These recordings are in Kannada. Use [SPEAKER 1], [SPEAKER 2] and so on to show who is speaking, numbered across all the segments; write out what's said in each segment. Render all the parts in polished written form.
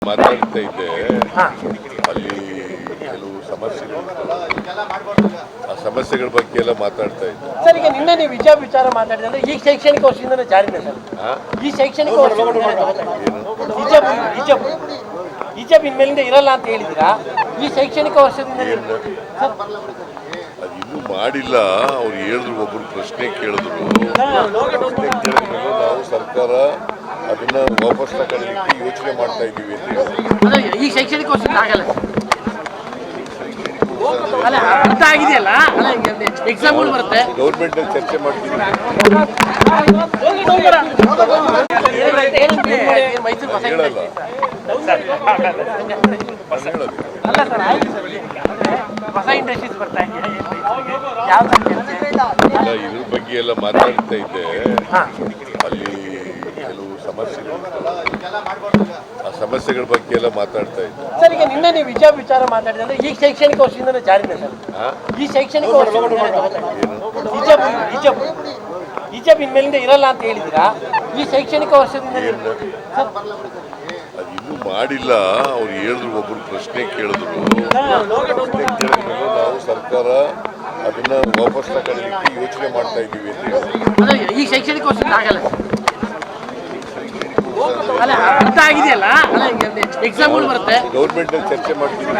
[SPEAKER 1] ಮಾತಾಡ್ತಾ ಇದ್ದೆ ಅಲ್ಲಿ ಕೆಲವು ಸಮಸ್ಯೆಗಳು ಆ ಸಮಸ್ಯೆಗಳ ಬಗ್ಗೆ ಎಲ್ಲ ಮಾತಾಡ್ತಾ ಇದ್ದೆ
[SPEAKER 2] ಸರ್. ಈಗ ನಿನ್ನೆ ನೀವು ವಿಚಾರ ಮಾತಾಡಿದ್ರೆ ಈ ಶೈಕ್ಷಣಿಕ ವರ್ಷದಿಂದ ಜಾರಿನೇ ಸರ್. ಈ ಶೈಕ್ಷಣಿಕ ಹಿಜಾಬ್ ಇನ್ಮೇಲಿಂದ ಇರಲ್ಲ ಅಂತ ಹೇಳಿದಿರಾ? ಈ ಶೈಕ್ಷಣಿಕ ವರ್ಷದಿಂದ
[SPEAKER 1] ಅದು ಇನ್ನೂ ಮಾಡಿಲ್ಲ. ಅವ್ರು ಹೇಳಿದ್ರು, ಒಬ್ರು ಪ್ರಶ್ನೆ ಕೇಳಿದ್ರು. ನಾವು ಸರ್ಕಾರ ಅದನ್ನ ವಾಪಸ್ ತಗೊಳ್ಳಿಕ್ಕೆ ಯೋಚನೆ ಮಾಡ್ತಾ ಇದ್ದೀವಿ ಅಂತ ಹೇಳಿ.
[SPEAKER 2] ಈ ಶೈಕ್ಷಣಿಕ ವರ್ಷದಿಂದ ಆಗಲ್ಲ ಅಲ್ಲ, ಅರ್ಥ ಆಗಿದೆಯಲ್ಲ, ಎಕ್ಸಾಮ್ಗಳು ಬರುತ್ತೆ.
[SPEAKER 1] ಗೌರ್ಮೆಂಟ್ ಅಲ್ಲಿ ಚರ್ಚೆ ಮಾಡ್ತೀವಿ. ಹೇಳಲ್ಲ
[SPEAKER 2] ಹೊಸ ಇಂಡಸ್ಟ್ರೀಸ್ ಬರ್ತಾ ಇದೆ,
[SPEAKER 1] ಇದ್ರ ಬಗ್ಗೆ ಎಲ್ಲ ಮಾತಾಡ್ತಾ ಇದ್ದೆ ಅಲ್ಲಿ ಕೆಲವು ಸಮಸ್ಯೆಗಳು ಆ ಸಮಸ್ಯೆಗಳ ಬಗ್ಗೆ ಎಲ್ಲ ಮಾತಾಡ್ತಾ ಇದ್ದೆ
[SPEAKER 2] ಸರ್. ಈಗ ನಿನ್ನೆ ನೀವು ವಿಚಾರ ಮಾತಾಡಿದ್ರೆ ಈ ಶೈಕ್ಷಣಿಕ ವರ್ಷದಿಂದ ಜಾರಿನೇ ಸರ್. ಈ ಶೈಕ್ಷಣಿಕ ವರ್ಷ ಹಿಜಾಬ್ ಇನ್ಮೇಲಿಂದ ಇರಲ್ಲ ಅಂತ ಹೇಳಿದಿರಾ? ಈ ಶೈಕ್ಷಣಿಕ ವರ್ಷದಿಂದ
[SPEAKER 1] ಅದು ಇನ್ನೂ ಮಾಡಿಲ್ಲ. ಅವ್ರು ಹೇಳಿದ್ರು, ಒಬ್ರು ಪ್ರಶ್ನೆ ಕೇಳಿದ್ರು. ನಾವು ಸರ್ಕಾರ ಅದನ್ನ ವಾಪಸ್ ತಗೊಳ್ಳಿಕ್ಕೆ ಯೋಚನೆ ಮಾಡ್ತಾ ಇದ್ದೀವಿ ಅಂತ ಹೇಳಿ.
[SPEAKER 2] ಈ ಶೈಕ್ಷಣಿಕ ವರ್ಷದಿಂದ ಆಗಲ್ಲ ಅಲ್ಲ, ಅರ್ಥ ಆಗಿದೆಯಲ್ಲ, ಎಕ್ಸಾಮ್ಗಳು ಬರುತ್ತೆ.
[SPEAKER 1] ಗೌರ್ಮೆಂಟ್ ಅಲ್ಲಿ ಚರ್ಚೆ ಮಾಡ್ತೀವಿ.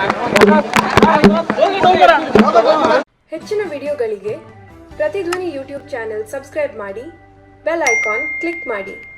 [SPEAKER 3] ಹೆಚ್ಚಿನ ವಿಡಿಯೋಗಳಿಗೆ ಪ್ರತಿಧ್ವನಿ ಯೂಟ್ಯೂಬ್ ಚಾನೆಲ್ ಸಬ್ಸ್ಕ್ರೈಬ್ ಮಾಡಿ, ಬೆಲ್ ಐಕಾನ್ ಕ್ಲಿಕ್ ಮಾಡಿ.